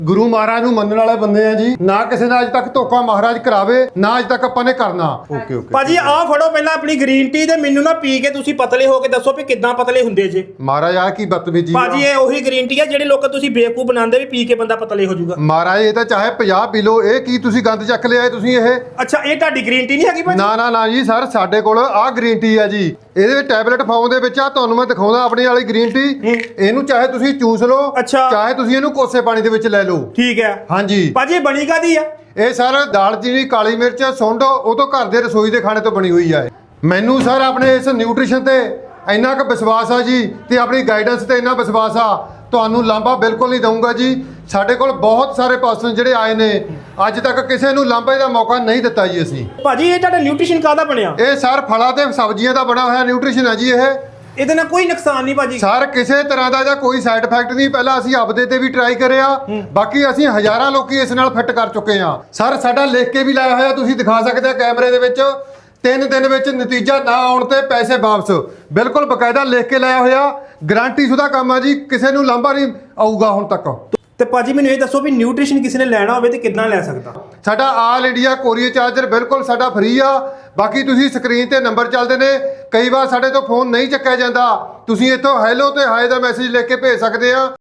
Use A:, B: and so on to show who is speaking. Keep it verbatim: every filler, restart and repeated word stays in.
A: ਗੁਰੂ ਮਹਾਰਾਜ ਨੂੰ ਮੰਨਣ ਵਾਲੇ ਬੰਦੇ ਆ ਜੀ, ਨਾ ਕਿਸੇ ਨਾਲ ਅੱਜ ਤੱਕ ਧੋਖਾ ਮਹਾਰਾਜ ਕਰਾਵੇ, ਨਾ ਅੱਜ ਤੱਕ ਆਪਾਂ ਨੇ ਕਰਨਾ। ਓਕੇ ਓਕੇ
B: ਭਾਜੀ ਆਹ ਫੜੋ ਪਹਿਲਾਂ ਆਪਣੀ ਗ੍ਰੀਨ ਟੀ ਤੇ ਮੈਨੂੰ ਨਾ ਪੀ ਕੇ ਤੁਸੀਂ ਪਤਲੇ ਹੋ ਕੇ ਦੱਸੋ ਵੀ ਕਿੱਦਾਂ ਪਤਲੇ ਹੁੰਦੇ ਜੇ।
A: ਮਹਾਰਾਜ ਆ ਕੀ ਬਦਤਮੀਜੀ
B: ਭਾਜੀ ਇਹ ਉਹੀ ਗ੍ਰੀਨ ਟੀ ਆ ਜਿਹੜੇ ਲੋਕ ਤੁਸੀਂ ਬੇਵਕੂਫ ਬਣਾਉਂਦੇ ਵੀ ਪੀ ਕੇ ਬੰਦਾ ਪਤਲੇ ਹੋ ਜਾਊਗਾ।
A: ਮਹਾਰਾਜ ਇਹ ਤਾਂ ਚਾਹੇ ਪੰਜਾਹ ਪੀ ਲਓ, ਇਹ ਕੀ ਤੁਸੀਂ ਗੰਦ ਚੱਕ ਲਿਆਏ ਤੁਸੀਂ ਇਹ।
B: ਅੱਛਾ ਇਹ ਤੁਹਾਡੀ ਗ੍ਰੀਨ ਟੀ ਨਹੀਂ ਹੈਗੀ ਭਾਜੀ?
A: ਨਾ ਨਾ ਨਾ ਜੀ ਸਰ, ਸਾਡੇ ਕੋਲ ਆਹ ਗ੍ਰੀਨ ਟੀ ਆ ਜੀ, ਇਹਦੇ ਵਿੱਚ ਟੈਬਲੇਟ ਫਾਰਮ ਦੇ ਵਿੱਚ ਆ, ਤੁਹਾਨੂੰ ਮੈਂ ਦਿਖਾਉਂਦਾ ਆਪਣੀ ਵਾਲੀ ਗ੍ਰੀਨ ਟੀ। ਇਹਨੂੰ ਚਾਹੇ ਤੁਸੀਂ ਚੂਸ ਲਓ, ਚਾਹੇ ਤੁਸੀਂ ਇਹਨੂੰ ਕੋਸੇ ਪਾਣੀ ਦੇ ਵਿੱਚ ਲੈ ਲਓ।
B: ਠੀਕ ਹੈ
A: ਹਾਂਜੀ
B: ਭਾਜੀ ਇਹ ਬਣੀ ਕਾਦੀ ਆ?
A: ਇਹ ਸਰ ਦਾਲਚੀਨੀ, ਕਾਲੀ ਮਿਰਚ, ਸੁੰਡ ਉਹ ਤੋਂ ਘਰ ਦੇ ਰਸੋਈ ਦੇ ਖਾਣੇ ਤੋਂ ਬਣੀ ਹੋਈ ਆ। ਮੈਨੂੰ ਸਰ ਆਪਣੇ ਇਸ ਨਿਊਟ੍ਰੀਸ਼ਨ ਤੇ ਇੰਨਾ ਕੁ ਵਿਸ਼ਵਾਸ ਆ ਜੀ, ਤੇ ਆਪਣੀ ਗਾਈਡੈਂਸ ਤੇ ਇੰਨਾ ਵਿਸ਼ਵਾਸ ਆ, ਤੁਹਾਨੂੰ ਲਾਂਭਾ ਬਿਲਕੁਲ ਨਹੀਂ ਦਊਂਗਾ ਜੀ। ਸਾਡੇ ਕੋਲ ਬਹੁਤ ਸਾਰੇ ਪਰਸਨ ਜਿਹੜੇ ਆਏ ਨੇ, ਅੱਜ ਤੱਕ ਕਿਸੇ ਨੂੰ ਲਾਂਭੇ ਦਾ ਮੌਕਾ ਨਹੀਂ ਦਿੱਤਾ ਜੀ ਅਸੀਂ।
B: ਭਾਜੀ ਇਹ ਤੁਹਾਡਾ ਨਿਊਟ੍ਰੀਸ਼ਨ ਕਾਹਦਾ ਬਣਿਆ?
A: ਇਹ ਸਰ ਫਲਾਂ ਤੇ ਸਬਜ਼ੀਆਂ ਦਾ ਬਣਾ ਹੋਇਆ ਨਿਊਟ੍ਰੀਸ਼ਨ ਹੈ ਜੀ। ਇਹ
B: ਇਹਦੇ ਨਾਲ ਕੋਈ ਨੁਕਸਾਨ ਨਹੀਂ ਭਾਜੀ?
A: ਸਰ ਕਿਸੇ ਤਰ੍ਹਾਂ ਦਾ ਜਾਂ ਕੋਈ ਸਾਈਡ ਇਫੈਕਟ ਨਹੀਂ। ਪਹਿਲਾਂ ਅਸੀਂ ਆਪਦੇ ਤੇ ਵੀ ਟਰਾਈ ਕਰਿਆ, ਬਾਕੀ ਅਸੀਂ ਹਜ਼ਾਰਾਂ ਲੋਕੀ ਇਸ ਨਾਲ ਫਿੱਟ ਕਰ ਚੁੱਕੇ ਹਾਂ। ਸਰ ਸਾਡਾ ਲਿਖ ਕੇ ਵੀ ਲਾਇਆ ਹੋਇਆ, ਤੁਸੀਂ ਦਿਖਾ ਸਕਦੇ ਆ ਕੈਮਰੇ ਦੇ ਵਿੱਚ। ਤਿੰਨ ਦਿਨ ਵਿੱਚ ਨਤੀਜਾ ਨਾ ਆਉਣ ਤੇ ਪੈਸੇ ਵਾਪਸ, ਬਿਲਕੁਲ ਬਕਾਇਦਾ ਲਿਖ ਕੇ ਲਾਇਆ ਹੋਇਆ। ਗਾਰੰਟੀ ਸ਼ੁਦਾ ਕੰਮ ਆ ਜੀ, ਕਿਸੇ ਨੂੰ ਲਾਂਭਾ ਨਹੀਂ ਆਊਗਾ ਹੁਣ ਤੱਕ।
B: ਤੇ ਭਾਜੀ ਮੈਨੂੰ ਇਹ ਦੱਸੋ ਵੀ ਨਿਊਟ੍ਰੀਸ਼ਨ ਕਿਸੇ ਨੇ ਲੈਣਾ ਹੋਵੇ ਤੇ ਕਿੱਦਾਂ ਲੈ ਸਕਦਾ?
A: ਸਾਡਾ ਆਲ ਇੰਡੀਆ ਕੋਰੀਅਰ ਚਾਰਜਰ ਬਿਲਕੁਲ ਸਾਡਾ ਫ੍ਰੀ ਆ। ਬਾਕੀ ਤੁਸੀਂ ਸਕਰੀਨ ਤੇ ਨੰਬਰ ਚੱਲਦੇ ਨੇ, ਕਈ ਵਾਰ ਸਾਡੇ ਤੋਂ ਫੋਨ ਨਹੀਂ ਚੱਕਿਆ ਜਾਂਦਾ, ਤੁਸੀਂ ਇੱਥੋਂ ਹੈਲੋ ਤੇ ਹਾਏ ਦਾ ਮੈਸੇਜ ਲਿਖ ਕੇ ਭੇਜ ਸਕਦੇ ਆ।